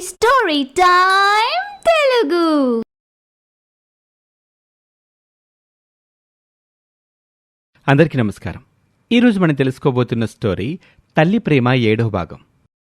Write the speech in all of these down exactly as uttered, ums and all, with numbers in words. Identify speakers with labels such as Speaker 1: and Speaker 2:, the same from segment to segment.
Speaker 1: Story time Telugu.
Speaker 2: అందరికీ నమస్కారం. ఈరోజు మనం తెలుసుకోబోతున్న స్టోరీ తల్లి ప్రేమ ఏడో భాగం.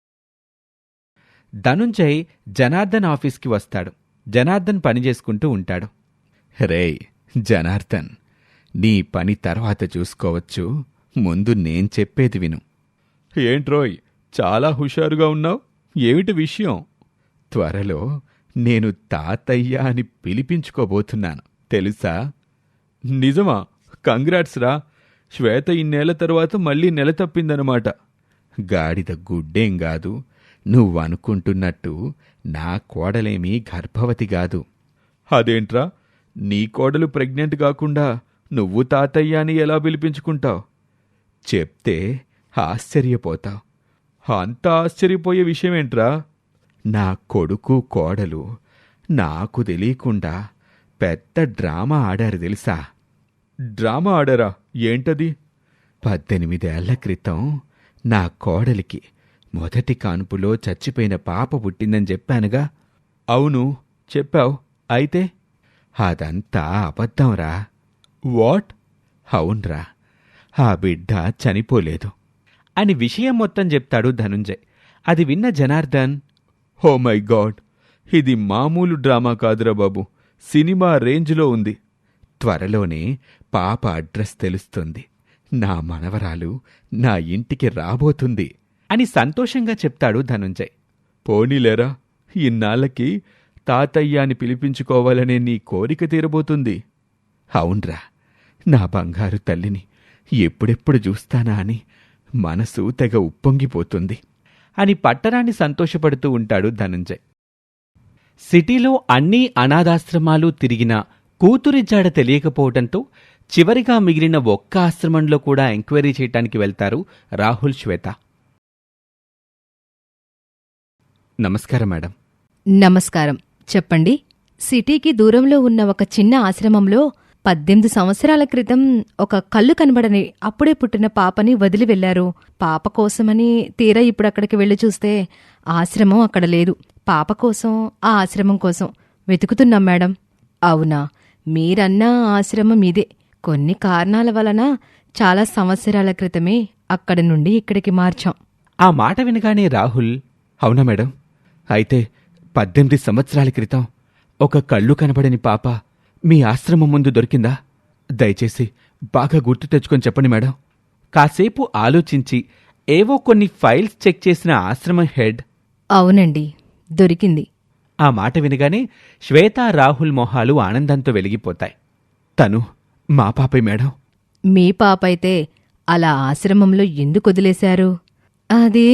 Speaker 2: ధనుంజయ్ జనార్దన్ ఆఫీస్కి వస్తాడు. జనార్దన్ పని చేసుకుంటూ ఉంటాడు. రేయ్ జనార్దన్, నీ పని తర్వాత చూసుకోవచ్చు, ముందు నేను చెప్పేది విను. ఏంట్రోయ్ చాలా హుషారుగా ఉన్నావు, ఏమిటి విషయం? త్వరలో నేను తాతయ్య అని పిలిపించుకోబోతున్నాను, తెలుసా? నిజమా? కంగ్రాట్స్ రా. శ్వేత ఇన్నేళ్ల తర్వాత మళ్ళీ నెల తప్పిందనమాట. గాడిద గుడ్డేం గాదు, నువ్వనుకుంటున్నట్టు నా కోడలేమీ గర్భవతి గాదు. అదేంట్రా, నీ కోడలు ప్రెగ్నెంట్ కాకుండా నువ్వు తాతయ్య అని ఎలా పిలిపించుకుంటావు? చెప్తే ఆశ్చర్యపోతావు. అంత ఆశ్చర్యపోయే విషయమేంట్రా? నా కొడుకు కోడలు నాకు తెలియకుండా పెద్ద డ్రామా ఆడారు తెలుసా? డ్రామా ఆడారా? ఏంటది? పద్దెనిమిదేళ్ల క్రితం నా కోడలికి మొదటి కాన్పులో చచ్చిపోయిన పాప పుట్టిందని చెప్పానుగా. అవును చెప్పావు. అయితే అదంతా అబద్ధంరా. వాట్? అవునరా, ఆ బిడ్డ చనిపోలేదు అని విషయం మొత్తం చెప్తాడు ధనుంజయ్. అది విన్న జనార్దన్, ఓ మై గాడ్, ఇది మామూలు డ్రామా కాదురా బాబు, సినిమా రేంజ్లో ఉంది. త్వరలోనే పాప అడ్రస్ తెలుస్తుంది, నా మనవరాలు నా ఇంటికి రాబోతుంది అని సంతోషంగా చెప్తాడు ధనుంజయ్. పోనీలేరా, ఇన్నాళ్ళకి తాతయ్య అని పిలిపించుకోవాలనే నీ కోరిక తీరబోతుంది. అవునరా, నా బంగారు తల్లిని ఎప్పుడెప్పుడు చూస్తానా అని మనసు తెగ ఉప్పొంగిపోతుంది అని పట్టరాన్ని సంతోషపడుతూ ఉంటాడు ధనుంజయ్. సిటీలో అన్ని అనాథాశ్రమాలు తిరిగినా కూతురి జాడ తెలియకపోవడంతో చివరిగా మిగిలిన ఒక్క ఆశ్రమంలో కూడా ఎంక్వైరీ చేయటానికి వెళ్తారు రాహుల్, శ్వేత. నమస్కారం మేడం.
Speaker 3: నమస్కారం. చెప్పండి. సిటీకి దూరంలో ఉన్న ఒక చిన్న ఆశ్రమంలో పద్దెనిమిది సంవత్సరాల క్రితం ఒక కళ్ళు కనబడని అప్పుడే పుట్టిన పాపని వదిలి వెళ్లారు. పాప కోసమని తీరా ఇప్పుడు అక్కడికి వెళ్లి చూస్తే ఆశ్రమం అక్కడ లేదు. పాప కోసం, ఆ ఆశ్రమం కోసం వెతుకుతున్నాం మేడం. అవునా, మీరన్నా ఆశ్రమం ఇదే. కొన్ని కారణాల వలన చాలా సంవత్సరాల క్రితమే అక్కడి నుండి ఇక్కడికి మార్చాం.
Speaker 2: ఆ మాట వినగానే రాహుల్, అవునా మేడం, అయితే పద్దెనిమిది సంవత్సరాల క్రితం ఒక కళ్ళు కనబడని పాప మీ ఆశ్రమం ముందు దొరికిందా? దయచేసి బాగా గుర్తు తెచ్చుకొని చెప్పండి మేడం. కాసేపు ఆలోచించి ఏవో కొన్ని ఫైల్స్ చెక్ చేసిన ఆశ్రమం హెడ్, అవునండి
Speaker 3: దొరికింది.
Speaker 2: ఆ మాట వినగానే శ్వేత, రాహుల్ మొహాలు ఆనందంతో వెలిగిపోతాయి. తను మా పాపే మేడం.
Speaker 3: మీ పాపైతే అలా ఆశ్రమంలో ఎందుకు వదిలేశారు? అదే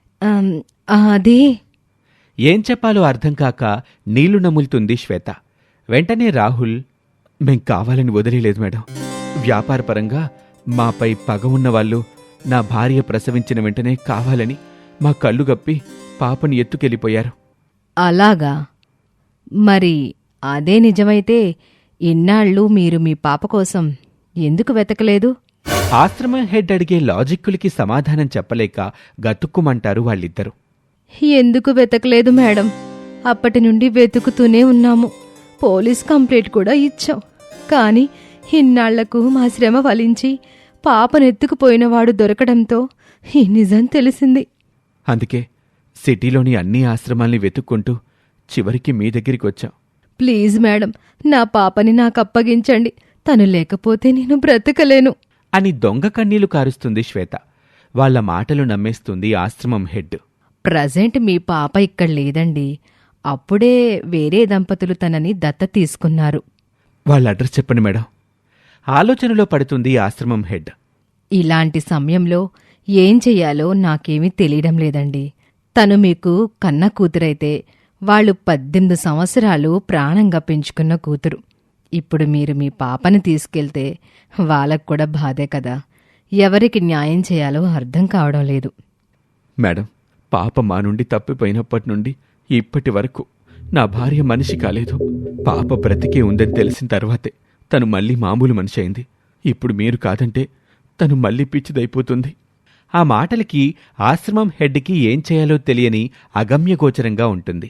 Speaker 3: అదే
Speaker 2: ఏం చెప్పాలో అర్థం కాక నీళ్లు నములుతుంది శ్వేత. వెంటనే రాహుల్, మేం కావాలని వదిలేదు మేడం. వ్యాపారపరంగా మాపై పగ ఉన్నవాళ్లు నా భార్య ప్రసవించిన వెంటనే కావాలని మా కళ్ళు గప్పి పాపని ఎత్తుకెళ్ళిపోయారు.
Speaker 3: అలాగా? మరి అదే నిజమైతే ఇన్నాళ్ళు మీరు మీ పాప కోసం ఎందుకు వెతకలేదు?
Speaker 2: ఆశ్రమం హెడ్ అడిగే లాజిక్కులకి సమాధానం చెప్పలేక గతుక్కుమంటారు వాళ్ళిద్దరూ.
Speaker 3: ఎందుకు వెతకలేదు మేడం? అప్పటి నుండి వెతుకుతూనే ఉన్నాము. పోలీస్ కంప్లైంట్ కూడా ఇచ్చాం. కాని ఇన్నాళ్లకు మా శ్రమ ఫలించి పాపనెత్తుకుపోయినవాడు దొరకడంతో ఈ నిజం తెలిసింది.
Speaker 2: అందుకే సిటీలోని అన్ని ఆశ్రమాల్ని వెతుక్కుంటూ చివరికి మీ దగ్గరికి వచ్చాం.
Speaker 3: ప్లీజ్ మేడం, నా పాపని నాకప్పగించండి. తను లేకపోతే నేను బ్రతకలేను
Speaker 2: అని దొంగ కన్నీళ్లు కారుస్తుంది శ్వేత. వాళ్ల మాటలు నమ్మేస్తుంది ఆశ్రమం హెడ్.
Speaker 3: ప్రజెంట్ మీ పాప ఇక్కడ లేదండి. అప్పుడే వేరే దంపతులు తనని దత్త తీసుకున్నారు.
Speaker 2: వాళ్ళ అడ్రస్ చెప్పండి మేడం. ఆలోచనలో పడుతుంది ఆశ్రమం హెడ్.
Speaker 3: ఇలాంటి సమయంలో ఏం చెయ్యాలో నాకేమీ తెలియడం లేదండి. తను మీకు కన్న కూతురైతే వాళ్ళు పద్దెనిమిది సంవత్సరాలు ప్రాణంగా పెంచుకున్న కూతురు. ఇప్పుడు మీరు మీ పాపని తీసుకెళ్తే వాళ్ళకు కూడా బాధే కదా. ఎవరికి న్యాయం చేయాలో అర్థం కావడం లేదు.
Speaker 2: మేడం, పాప మా నుండి తప్పిపోయినప్పటి నుండి ఇప్పటి వరకు నా భార్య మనిషి కాలేదు. పాప బ్రతికే ఉందని తెలిసిన తర్వాతే తను మళ్ళీ మామూలు మనిషి అయింది. ఇప్పుడు మీరు కాదంటే తను మళ్ళీ పిచ్చిదైపోతుంది. ఆ మాటలకి ఆశ్రమం హెడ్కి ఏం చేయాలో తెలియని అగమ్యగోచరంగా ఉంటుంది.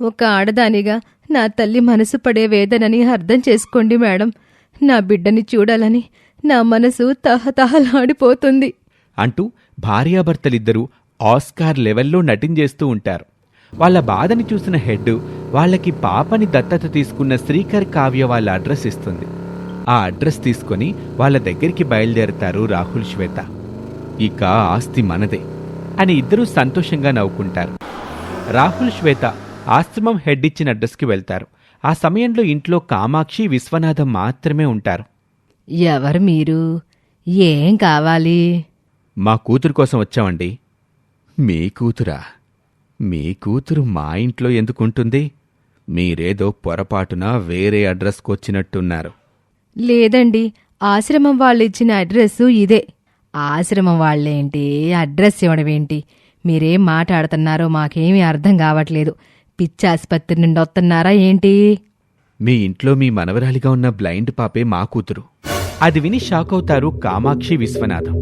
Speaker 3: ఒక ఆడదానిగా నా తల్లి మనసు పడే వేదనని అర్థం చేసుకోండి మేడం. నా బిడ్డని చూడాలని నా మనసు తహతహలాడిపోతుంది
Speaker 2: అంటూ భార్యాభర్తలిద్దరూ ఆస్కార్ లెవెల్లో నటించేస్తూ ఉంటారు. వాళ్ళ బాధని చూసిన హెడ్ వాళ్ళకి పాపని దత్తత తీసుకున్న శ్రీకర్ కావ్య వాళ్ళ అడ్రస్ ఇస్తుంది. ఆ అడ్రస్ తీసుకొని వాళ్ళ దగ్గరికి బయలుదేరతారు రాహుల్, శ్వేత. ఇక ఆస్తి మనదే అని ఇద్దరూ సంతోషంగా నవ్వుకుంటారు. రాహుల్, శ్వేత ఆశ్రమం హెడ్ ఇచ్చిన అడ్రస్కి వెళ్తారు. ఆ సమయంలో ఇంట్లో కామాక్షి, విశ్వనాథం మాత్రమే ఉంటారు.
Speaker 3: ఎవరు మీరు? ఏం కావాలి?
Speaker 2: మా కూతురు కోసం వచ్చామండి. మీ కూతురా? మీ కూతురు మా ఇంట్లో ఎందుకుంటుంది? మీరేదో పొరపాటున వేరే అడ్రస్కి వచ్చినట్టున్నారు.
Speaker 3: లేదండి, ఆశ్రమం వాళ్ళు ఇచ్చిన అడ్రస్సు ఇదే. ఆశ్రమం వాళ్ళేంటి, అడ్రస్ ఇవ్వడమేంటి? మీరేం మాట్లాడుతున్నారో మాకేమీ అర్థం కావట్లేదు. పిచ్చాసుపత్రి నుండి వస్తున్నారా ఏంటి?
Speaker 2: మీ ఇంట్లో మీ మనవరాలిగా ఉన్న బ్లైండ్ పాపే మా కూతురు. అది విని షాక్ అవుతారు కామాక్షి, విశ్వనాథం.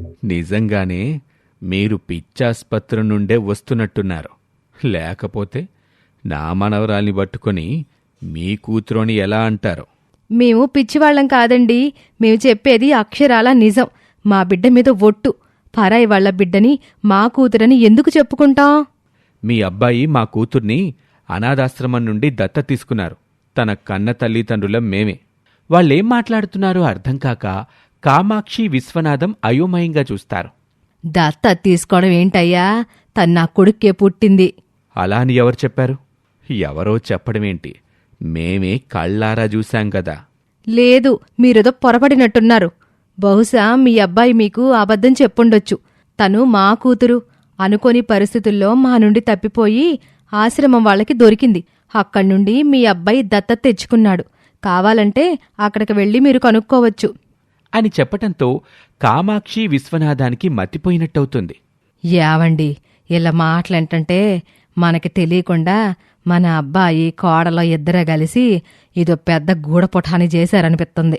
Speaker 2: నిజంగానే మీరు పిచ్చాసుపత్రి నుండే వస్తున్నట్టున్నారు. లేకపోతే నా మనవరాల్ని పట్టుకొని మీ కూతురుని ఎలా అంటారు?
Speaker 3: మేము పిచ్చివాళ్లం కాదండి. మేము చెప్పేది అక్షరాల నిజం. మా బిడ్డ మీద ఒట్టు. పరాయి వాళ్ల బిడ్డని మా కూతురని ఎందుకు చెప్పుకుంటాం?
Speaker 2: మీ అబ్బాయి మా కూతుర్ని అనాథాశ్రమం నుండి దత్త తీసుకున్నారు. తన కన్న తల్లిదండ్రులం మేమే. వాళ్ళేం మాట్లాడుతున్నారో అర్థం కాక కామాక్షి, విశ్వనాథం అయోమయంగా చూస్తారు.
Speaker 3: దత్త తీసుకోవడం ఏంటయ్యా? తను నా కొడుక్కే పుట్టింది.
Speaker 2: అలా అని ఎవరు చెప్పారు? ఎవరో చెప్పడమేంటి, మేమే కళ్ళారా చూశాం కదా.
Speaker 3: లేదు, మీరేదో పొరపడినట్టున్నారు. బహుశా మీ అబ్బాయి మీకు అబద్ధం చెప్పుండొచ్చు. తను మా కూతురు అనుకోని పరిస్థితుల్లో మా నుండి తప్పిపోయి ఆశ్రమం వాళ్ళకి దొరికింది. అక్కడి నుండి మీ అబ్బాయి దత్తత తెచ్చుకున్నాడు. కావాలంటే అక్కడికి వెళ్ళి మీరు కనుక్కోవచ్చు
Speaker 2: అని చెప్పటంతో కామాక్షి, విశ్వనాథానికి మతిపోయినట్టవుతుంది.
Speaker 3: యావండి, ఇలా మాటలంటే మనకి తెలియకుండా మన అబ్బాయి కోడలో ఇద్దరే కలిసి ఇదో పెద్ద గూడపుఠాని చేశారనిపిస్తుంది.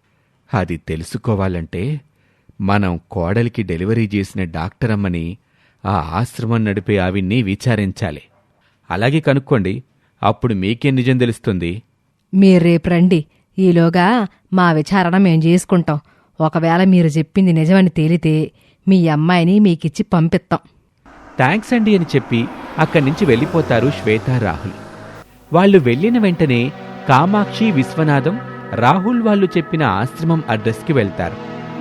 Speaker 2: అది తెలుసుకోవాలంటే మనం కోడలికి డెలివరీ చేసిన డాక్టరమ్మని, ఆ ఆశ్రమం నడిపే ఆవిడ్ని విచారించాలి. అలాగే కనుక్కోండి, అప్పుడు మీకే నిజం తెలుస్తుంది.
Speaker 3: మీరు రేపు రండి. ఈలోగా మా విచారణ మేం చేసుకుంటాం. ఒకవేళ మీరు చెప్పింది నిజమని తేలితే మీ అమ్మాయిని మీకిచ్చి పంపిస్తాం.
Speaker 2: థ్యాంక్స్ అండి అని చెప్పి అక్కడి నుంచి వెళ్ళిపోతారు శ్వేత, రాహుల్. వాళ్ళు వెళ్ళిన వెంటనే కామాక్షి, విశ్వనాథం రాహుల్ వాళ్ళు చెప్పిన ఆశ్రమం అడ్రస్కి వెళ్తారు.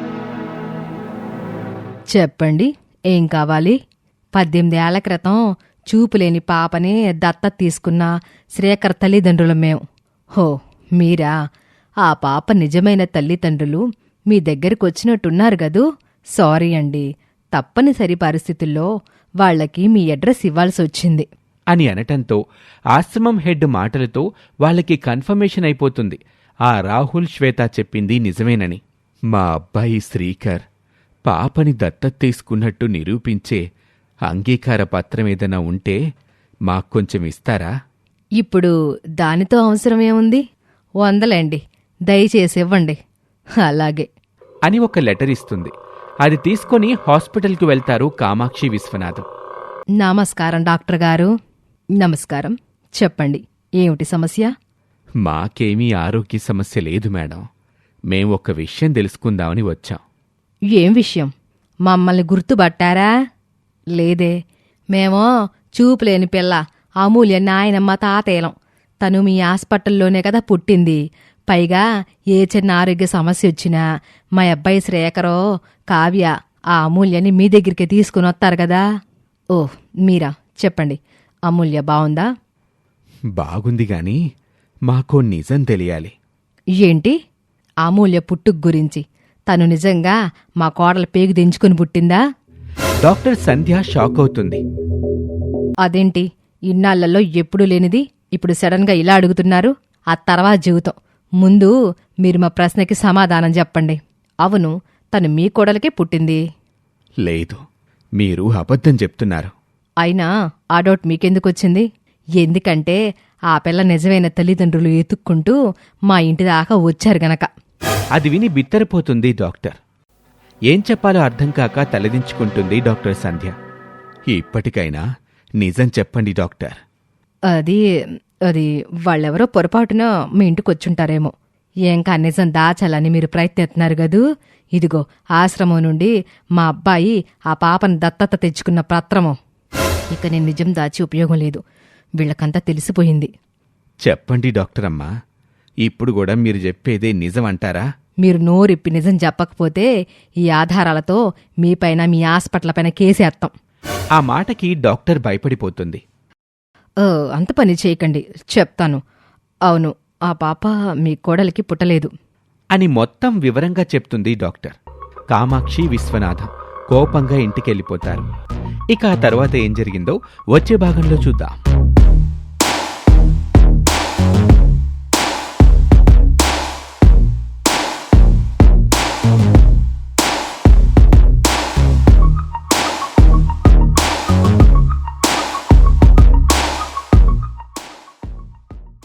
Speaker 3: చెప్పండి, ఏం కావాలి? పద్దెనిమిదేళ్ల క్రితం చూపులేని పాపని దత్తత తీసుకున్న శ్రీకర్ తల్లిదండ్రులం మేం. హో, మీరా? ఆ పాప నిజమైన తల్లిదండ్రులు మీ దగ్గరకొచ్చినట్టున్నారు గదూ. సారీ అండి, తప్పనిసరి పరిస్థితుల్లో వాళ్లకి మీ అడ్రస్ ఇవ్వాల్సి వచ్చింది
Speaker 2: అని అనటంతో ఆశ్రమం హెడ్ మాటలతో వాళ్ళకి కన్ఫర్మేషన్ అయిపోతుంది. ఆ రాహుల్, శ్వేత చెప్పింది నిజమేనని. మా అబ్బాయి శ్రీకర్ పాపని దత్తత తీసుకున్నట్టు నిరూపించే అంగీకార పత్రం ఏదైనా ఉంటే మాక్కొంచెం ఇస్తారా?
Speaker 3: ఇప్పుడు దానితో అవసరమేముంది? వందలేండి, దయచేసి ఇవ్వండి. అలాగే
Speaker 2: అని ఒక లెటర్ ఇస్తుంది. అది తీసుకొని హాస్పిటల్కి వెళ్తారు కామాక్షి, విశ్వనాథం.
Speaker 3: నమస్కారం డాక్టర్ గారు. నమస్కారం. చెప్పండి, ఏమిటి సమస్య?
Speaker 2: మాకేమీ ఆరోగ్య సమస్య లేదు మేడం. మేం ఒక విషయం తెలుసుకుందామని వచ్చాం.
Speaker 3: ఏం విషయం? మమ్మల్ని గుర్తుపట్టారా? లేదే. మేమో చూపులేని పిల్ల అమూల్య నాయనమ్మ తాతేలం. తను మీ హాస్పిటల్లోనే కదా పుట్టింది. పైగా ఏ చిన్న ఆరోగ్య సమస్య వచ్చినా మా అబ్బాయి శ్రేఖరో, కావ్య ఆ అమూల్యని మీ దగ్గరికి తీసుకుని వస్తారు కదా. ఓ, మీరా? చెప్పండి, అమూల్య బావుందా?
Speaker 2: బాగుంది గాని మాకో నిజం తెలియాలి.
Speaker 3: ఏంటి? అమూల్య పుట్టుకు గురించి. తను నిజంగా మా కోడల పేగు దించుకుని పుట్టిందా?
Speaker 2: డాక్టర్ సంధ్య షాక్ అవుతుంది.
Speaker 3: అదేంటి, ఇన్నాళ్లలో ఎప్పుడూ లేనిది ఇప్పుడు సడన్ గా ఇలా అడుగుతున్నారు? ఆ తర్వాత జీవితం. ముందు మీరు మా ప్రశ్నకి సమాధానం చెప్పండి. అవును, తను మీ కోడలకే పుట్టింది.
Speaker 2: లేదు, మీరు అబద్ధం చెప్తున్నారు.
Speaker 3: అయినా ఆ డౌట్ మీకెందుకొచ్చింది? ఎందుకంటే ఆ పిల్ల నిజమైన తల్లిదండ్రులు ఎతుక్కుంటూ మా ఇంటి దాకా వచ్చారు గనక.
Speaker 2: అది విని బిత్తరపోతుంది డాక్టర్. ఏం చెప్పాలో అర్థం కాక తలదించుకుంటుంది డాక్టర్ సంధ్య. ఇప్పటికైనా నిజం చెప్పండి డాక్టర్.
Speaker 3: అది అది వాళ్ళెవరో పొరపాటున మీ ఇంటికి వచ్చుంటారేమో. ఏంకా నిజం దాచాలని మీరు ప్రయత్నిస్తున్నారు గదూ. ఇదిగో ఆశ్రమం నుండి మా అబ్బాయి ఆ పాపను దత్తత తెచ్చుకున్న పత్రము. ఇక నేను నిజం దాచి ఉపయోగం లేదు, వీళ్ళకంతా తెలిసిపోయింది.
Speaker 2: చెప్పండి డాక్టర్ అమ్మా, ఇప్పుడు కూడా మీరు చెప్పేదే నిజం అంటారా?
Speaker 3: మీరు నోరిప్పి నిజం చెప్పకపోతే ఈ ఆధారాలతో మీపైన మీ హాస్పిటల్ పైన కేసేస్తాం.
Speaker 2: ఆ మాటకి డాక్టర్ భయపడిపోతుంది.
Speaker 3: ఓ, అంత పని చేయకండి, చెప్తాను. అవును, ఆ పాప మీ కోడలికి పుట్టలేదు
Speaker 2: అని మొత్తం వివరంగా చెప్తుంది డాక్టర్. కామాక్షి, విశ్వనాథం కోపంగా ఇంటికెళ్ళిపోతారు. ఇక ఆ తర్వాత ఏం జరిగిందో వచ్చే భాగంలో చూద్దాం.